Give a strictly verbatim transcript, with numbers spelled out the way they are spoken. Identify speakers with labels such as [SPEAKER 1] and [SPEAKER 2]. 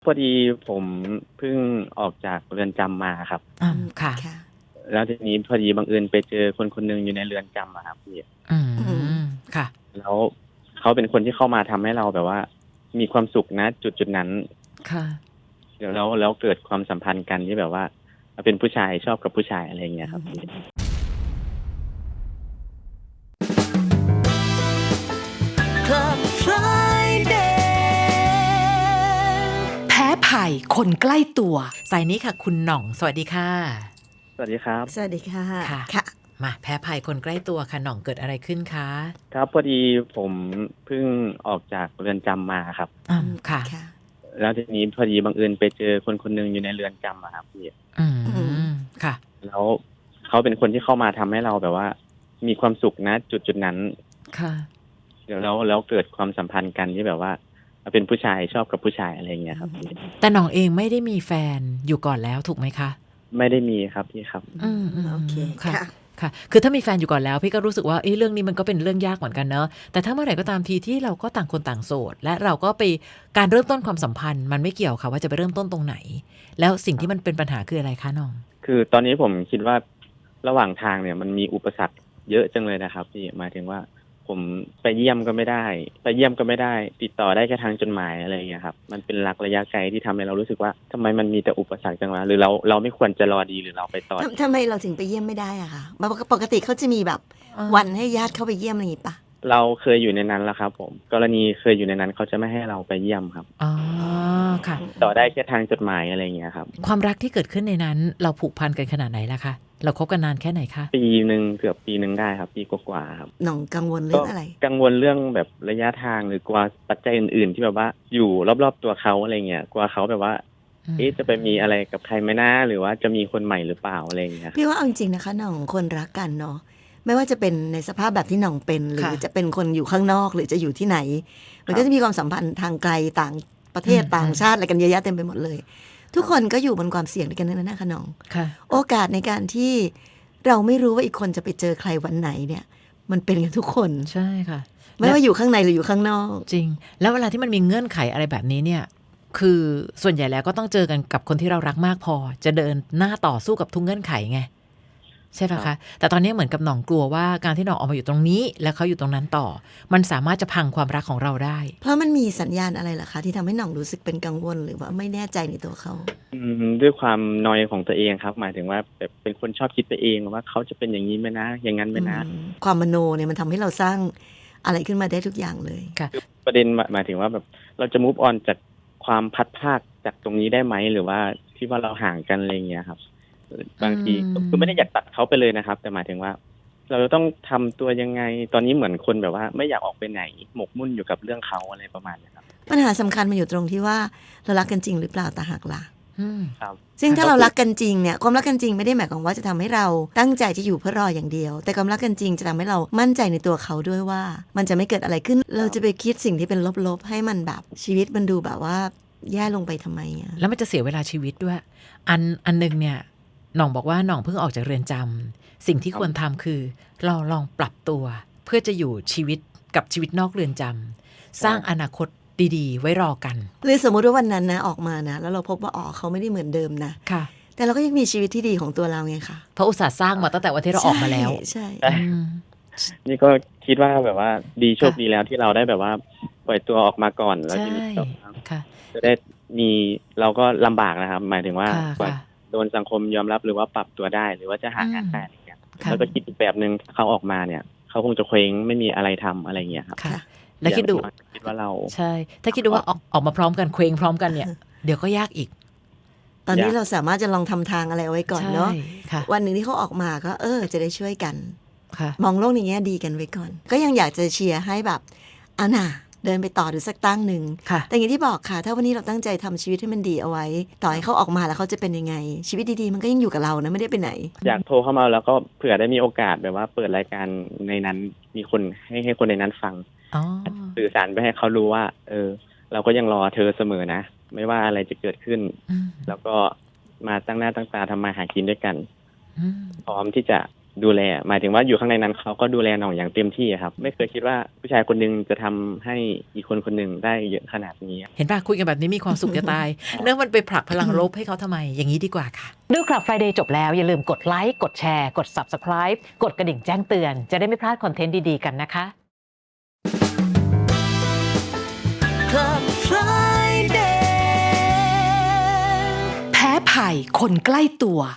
[SPEAKER 1] พอดีผมเพิ่งออกจากเรือนจำมาครับ
[SPEAKER 2] อื
[SPEAKER 3] อื
[SPEAKER 2] ม
[SPEAKER 3] ม
[SPEAKER 2] ค่ะ
[SPEAKER 3] ค่ะ
[SPEAKER 1] แล้วทีนี้พอดีบังเอิญไปเจอคนคนหนึ่งอยู่ในเรือนจำอะครับพี่
[SPEAKER 2] อื
[SPEAKER 3] อืม
[SPEAKER 2] ม ค่ะ
[SPEAKER 1] แล้วเขาเป็นคนที่เข้ามาทำให้เราแบบว่า มีความสุข ณ จุด ๆ นั้น
[SPEAKER 2] ค่ะ
[SPEAKER 1] แล้ว แล้วเกิดความสัมพันธ์กันที่แบบว่า เป็นผู้ชายชอบกับผู้ชาย อะไรอย่างเงี้ยครับพี่
[SPEAKER 3] Club Friday
[SPEAKER 2] แพ้ภัยคนใกล้ตัว สายนี้ค่ะ คุณหน่อง สวัสดีค่ะ
[SPEAKER 1] สวัสดีครับ
[SPEAKER 3] สวัสดีค่ะ
[SPEAKER 2] ค่ะ
[SPEAKER 3] ค่ะ
[SPEAKER 2] มาแพ้ภัยคนใกล้ตัวค่ะ หน่องเกิดอะไรขึ้นคะ?
[SPEAKER 1] ครับ พอดีผมเพิ่งออกจากเรือนจำมาครับ
[SPEAKER 2] อื
[SPEAKER 3] อื
[SPEAKER 2] ม
[SPEAKER 3] ม
[SPEAKER 2] ค่ะ
[SPEAKER 3] ค่ะ
[SPEAKER 1] แล้วทีนี้พอดีบังเอิญไปเจอคนคนหนึ่งอยู่ในเรือนจำอะครับพี่
[SPEAKER 2] อื
[SPEAKER 3] อืม
[SPEAKER 2] ม ค่ะ
[SPEAKER 1] แล้วเขาเป็นคนที่เข้ามาทำให้เราแบบว่า มีความสุข ณ จุด ๆ นั้น
[SPEAKER 2] ค่ะ
[SPEAKER 1] แล้ว แล้วเกิดความสัมพันธ์กันที่แบบว่า เป็นผู้ชายชอบกับผู้ชาย อะไรอย่างเงี้ยครับพี่
[SPEAKER 2] แต่หน่องเองไม่ได้มีแฟนอยู่ก่อนแล้วถูกไหมคะ?
[SPEAKER 1] ไม่ได้มีครับพี่ครับ
[SPEAKER 3] อื
[SPEAKER 2] อื
[SPEAKER 3] ม โอเค
[SPEAKER 2] ม ๆ ค่ะ
[SPEAKER 3] ค่ะ
[SPEAKER 2] ค่ะ คือถ้ามีแฟนอยู่ก่อนแล้ว พี่ก็รู้สึกว่า เอ๊ะ เรื่องนี้มันก็เป็นเรื่องยากเหมือนกันเนาะ แต่ถ้าเมื่อไหร่ก็ตามทีที่เราก็ต่างคนต่างโสด และเราก็ไป การเริ่มต้นความสัมพันธ์มันไม่เกี่ยวค่ะว่าจะไปเริ่มต้นตรงไหน แล้วสิ่งที่มันเป็นปัญหาคืออะไรคะหน่อง?
[SPEAKER 1] คือตอนนี้ผมคิดว่า ระหว่างทางเนี่ยมันมีอุปสรรคเยอะจังเลยนะครับพี่ หมายถึงว่า ผมไปเยี่ยมก็ไม่ได้ ไปเยี่ยมก็ไม่ได้ ติดต่อได้แค่ทางจดหมาย อะไรอย่างเงี้ยครับ มันเป็นรักระยะไกลที่ทำให้เรารู้สึกว่า ทำไมมันมีแต่อุปสรรคจังวะ หรือเรา เราไม่ควรจะรอดี หรือเราไปต่อ
[SPEAKER 3] ทำ ทำไมเราถึงไปเยี่ยมไม่ได้อะคะ? ปก ปกติเขาจะมีแบบ
[SPEAKER 2] เออ
[SPEAKER 3] วันให้ญาติเข้าไปเยี่ยม อะไรงี้เปล่า?
[SPEAKER 1] เราเคยอยู่ในนั้นแล้วครับผม กรณีเคยอยู่ในนั้น เขาจะไม่ให้เราไปเยี่ยมครับ
[SPEAKER 2] อ๋อ
[SPEAKER 3] อ๋อ
[SPEAKER 2] ค่ะ
[SPEAKER 3] อื
[SPEAKER 1] ต่อได้
[SPEAKER 3] ม
[SPEAKER 1] แค่ทางจดหมาย อะไรอย่างเงี้ยครับ
[SPEAKER 2] ความรักที่เกิดขึ้นในนั้น เราผูกพันกันขนาดไหนล่ะคะ? เราคบกันนานแค่ไหนคะ?
[SPEAKER 1] ปีหนึ่ง เกือบปีหนึ่งได้ครับ ปีกว่า ๆ ครับ
[SPEAKER 3] หน่องกังวลเรื
[SPEAKER 1] ก่็
[SPEAKER 3] องอะไร?
[SPEAKER 1] กังวลเรื่องแบบระยะทาง หรือกลัวปัจจัยอื่น ๆ ที่แบบว่าอยู่รอบ ๆ ตัวเขา อะไรเงี้ย กลัวเขาแบบว่า
[SPEAKER 2] อื
[SPEAKER 1] เอ๊ะ จะไปมี
[SPEAKER 2] ม
[SPEAKER 1] อะไรกับใครไหมนะ หรือว่าจะมีคนใหม่หรือเปล่า อะไรอย่างเงี้ย
[SPEAKER 3] พี่ว่าเอาจริง ๆ นะคะหน่อง คนรักกันเนาะ ไม่ว่าจะเป็นในสภาพแบบที่หน่องเป็น หรื
[SPEAKER 2] ค่
[SPEAKER 3] อ
[SPEAKER 2] ะ
[SPEAKER 3] จะเป็นคนอยู่ข้างนอก หรือจะอยู่ที่ไหน มัน
[SPEAKER 1] คร
[SPEAKER 3] ก็
[SPEAKER 1] ับ
[SPEAKER 3] จะมีความสัมพันธ์ทางไกล ต่างประเทศ
[SPEAKER 2] อืม
[SPEAKER 3] ต่างชาติ อะไรกันเยอะแยะเต็มไปหมดเลย ทุก
[SPEAKER 1] ครับ
[SPEAKER 3] คนก็อยู่บนความเสี่ยงด้วยกันทั้งนั้นน่ะค่ะหน่อง
[SPEAKER 2] ค่ะ
[SPEAKER 3] โอกาสในการที่เราไม่รู้ว่าอีกคนจะไปเจอใครวันไหนเนี่ย มันเป็นกันทุกคน
[SPEAKER 2] ใช่ค่ะ
[SPEAKER 3] ไม่ว่าอยู่ข้างในหรืออยู่ข้างนอก
[SPEAKER 2] จริง แล้วเวลาที่มันมีเงื่อนไขอะไรแบบนี้เนี่ย คือส่วนใหญ่แล้วก็ต้องเจอกันกับคนที่เรารักมากพอ จะเดินหน้าต่อสู้กับทุกเงื่อนไขไง ใช่เปล่า
[SPEAKER 1] ครั
[SPEAKER 2] คะ?
[SPEAKER 1] บ
[SPEAKER 2] แต่ตอนนี้เหมือนกับหน่องกลัวว่า การที่หน่องออกมาอยู่ตรงนี้ แล้วเขาอยู่ตรงนั้นต่อ มันสามารถจะพังความรักของเราได้
[SPEAKER 3] เพราะมันมีสัญญาณอะไรเหรอคะ ที่ทำให้หน่องรู้สึกเป็นกังวล หรือว่าไม่แน่ใจในตัวเขา?
[SPEAKER 1] อืม ด้วยความนอยของตัวเองครับ หมายถึงว่าแบบเป็นคนชอบคิดไปเองว่า เขาจะเป็นอย่างงี้ไหมนะ อย่างงั้นไหม
[SPEAKER 3] อื
[SPEAKER 1] นะ
[SPEAKER 3] ม ความมโนเนี่ยมันทำให้เราสร้างอะไรขึ้นมาได้ทุกอย่างเลย
[SPEAKER 2] ค่ะ
[SPEAKER 1] คือประเด็น หมาย หมายถึงว่าแบบเราจะ move on จากความพลัดพรากจากตรงนี้ได้ไหม หรือว่าที่ว่าเราห่างกัน อะไรอย่างเงี้ยครับ เออ บางที
[SPEAKER 2] อืม
[SPEAKER 1] คือไม่ได้อยากตัดเขาไปเลยนะครับ แต่หมายถึงว่า เราจะต้องทำตัวยังไง ตอนนี้เหมือนคนแบบว่าไม่อยากออกไปไหน หมกมุ่นอยู่กับเรื่องเขา อะไรประมาณเนี้ยครับ
[SPEAKER 3] ปัญหาสำคัญมันอยู่ตรงที่ว่า เรารักกันจริงหรือเปล่าต่างหากล่ะ
[SPEAKER 2] อืม
[SPEAKER 1] ครับ
[SPEAKER 3] ซึ่งถ้า
[SPEAKER 1] ก็
[SPEAKER 3] เรา
[SPEAKER 1] คือ
[SPEAKER 3] รักกันจริงเนี่ย ความรักกันจริงไม่ได้หมายความว่าจะทำให้เราตั้งใจจะอยู่เพื่อรออย่างเดียว แต่ความรักกันจริงจะทำให้เรามั่นใจในตัวเขาด้วยว่า มันจะไม่เกิดอะไรขึ้น เราจะไปคิดสิ่งที่เป็นลบ ๆ ให้มันแบบชีวิตมันดูแบบว่าแย่ลงไปทำไมอะ?
[SPEAKER 2] แล้วมันจะเสียเวลาชีวิตด้วย อัน อันหนึ่งเนี่ย หน่องบอกว่าหน่องเพิ่งออกจากเรือนจำ สิ่งที่
[SPEAKER 1] คร
[SPEAKER 2] คั
[SPEAKER 1] บ
[SPEAKER 2] วรทำคือ เราลองปรับตัวเพื่อจะอยู่ชีวิตกับชีวิตนอกเรือนจำ สร้างอนาคตดี ๆ ไว้รอกัน
[SPEAKER 3] หรือสมมุติว่าวันนั้นนะออกมานะ แล้วเราพบว่า อ๋อ เขาไม่ได้เหมือนเดิมนะ
[SPEAKER 2] ค่ะ
[SPEAKER 3] แต่เราก็ยังมีชีวิตที่ดีของตัวเราไงคะ
[SPEAKER 2] เพราะอุตส่าห์สร้างมาตั้งแต่วันที่เราออกมาแล้ว
[SPEAKER 3] ใช่
[SPEAKER 1] ใช่
[SPEAKER 2] อืม
[SPEAKER 1] นี่ก็คิดว่าแบบว่าดี โชค
[SPEAKER 2] ค่ะ
[SPEAKER 1] ดีแล้วที่เราได้แบบว่าปล่อยตัวออกมาก่อน แล้ว
[SPEAKER 2] ใช
[SPEAKER 1] ที่ นี้แบบว่า
[SPEAKER 2] ค่ะ
[SPEAKER 1] จะได้มี เราก็ลำบากนะครับ หมายถึงว่า
[SPEAKER 2] ค่ะ
[SPEAKER 1] กว่า
[SPEAKER 2] ค่ะ
[SPEAKER 1] โดนสังคมยอมรับ หรือว่าปรับตัวได้ หรือว่าจะหา
[SPEAKER 2] อืม
[SPEAKER 1] งานได้ อะไรเงี้ย
[SPEAKER 2] ค่ะ
[SPEAKER 1] แล้วก็คิดอีกแบบหนึ่ง เขาออกมาเนี่ย เขาคงจะเคว้ง ไม่มีอะไรทำ อะไรเงี้ยครับ
[SPEAKER 2] ค่ะ
[SPEAKER 3] ค่ะ
[SPEAKER 2] แล้ว
[SPEAKER 1] อย่า
[SPEAKER 2] คิดดู
[SPEAKER 1] งน้อยคิดว่าเรา
[SPEAKER 2] ใช่ ถ้าคิดดูว่าออก ออกมาพร้อมกัน เคว้งพร้อมกันเนี่ย เดี๋ยวก็ยากอีก
[SPEAKER 3] ตอนนี้
[SPEAKER 1] ยาก
[SPEAKER 3] เราสามารถจะลองทำทางอะไรเอาไว้ก่อน
[SPEAKER 2] ใช่
[SPEAKER 3] เนาะ
[SPEAKER 2] ค่ะ
[SPEAKER 3] วันหนึ่งที่เขาออกมาก็ เออ จะได้ช่วยกัน
[SPEAKER 2] ค่ะ
[SPEAKER 3] มองโลกในแง่ดีกันไว้ก่อน ก็ยังอยากจะเชียร์ให้แบบ เอาน่ะ เดินไปต่อดูสักตั้งหนึ่ง
[SPEAKER 2] ค่ะ
[SPEAKER 3] แต่อย่างที่บอกค่ะ ถ้าวันนี้เราตั้งใจทำชีวิตให้มันดีเอาไว้ ต่อให้เขาออกมาแล้วเขาจะเป็นยังไง ชีวิตดี ๆ มันก็ยังอยู่กับเรานะ ไม่ได้ไปไหน
[SPEAKER 1] อยากโทรเข้ามา แล้วก็เผื่อได้มีโอกาสแบบว่าเปิดรายการในนั้น มีคน ให้ ให้คนในนั้นฟัง
[SPEAKER 2] อ๋อ
[SPEAKER 1] สื่อสารไปให้เขารู้ว่า เออ เราก็ยังรอเธอเสมอนะ ไม่ว่าอะไรจะเกิดขึ้น
[SPEAKER 2] อืม
[SPEAKER 1] แล้วก็มาตั้งหน้าตั้งตาทำมาหากินด้วยกัน
[SPEAKER 2] อืม
[SPEAKER 1] พร้อมที่จะดูแลหมายถึงว่าอยู่ข้างในนั้นเขาก็ดูแลหน่องอย่างเต็มที่ครับไม่เคยคิดว่าผู้ชายคนนึงจะทำให้อีกคนคนหนึ่งได้เยอะขนาดนี้
[SPEAKER 2] เห็นป่ะคุยกันแบบนี้มีความสุขจะตาย เนื่องมันไปผลักพลังลบให้เขาทำไมอย่างนี้ดีกว่าค่ะดูคลับ Friday จบแล้วอย่าลืมกดไลค์กดแชร์กด Subscribe กดกระดิ่งแจ้งเตือนจะได้ไม่พลาดคอนเทนต์ดีๆกันนะคะ
[SPEAKER 3] Club Friday
[SPEAKER 4] แพ้ภัยคนใกล้ตัว